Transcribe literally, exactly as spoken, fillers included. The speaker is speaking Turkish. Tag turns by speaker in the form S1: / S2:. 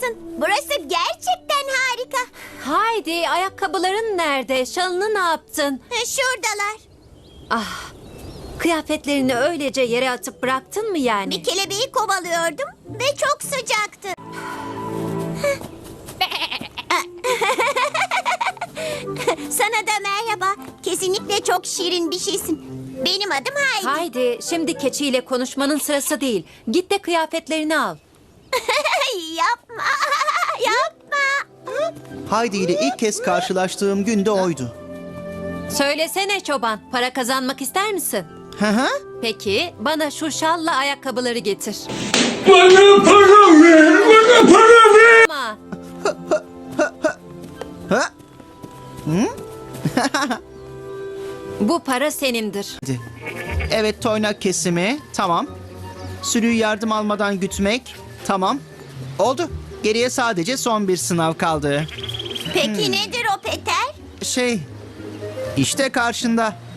S1: mısın? Burası gerçekten harika.
S2: Haydi, ayakkabıların nerede? Şalını ne yaptın?
S1: Ha, Şuradalar.
S2: Ah, kıyafetlerini öylece yere atıp bıraktın mı yani?
S1: Bir kelebeği kovalıyordum ve çok sıcaktı. Sana da merhaba. Kesinlikle çok şirin bir şeysin. Benim adım Haydi.
S2: Haydi, şimdi keçiyle konuşmanın sırası değil. Git de kıyafetlerini al.
S1: Yapma, yapma.
S3: Haydi ile ilk kez karşılaştığım gün de oydu.
S2: Söylesene çoban, para kazanmak ister misin?
S3: Hı hı.
S2: Peki, bana şu şalla ayakkabıları getir.
S4: Bana para ver, bana para ver.
S2: Ama
S3: Ha?
S2: bu para senindir.
S3: Evet, toynak kesimi. Tamam. Sürüyü yardım almadan gütmek. Tamam. Oldu. Geriye sadece son bir sınav kaldı.
S1: Peki nedir o Peter?
S3: Şey, işte karşında.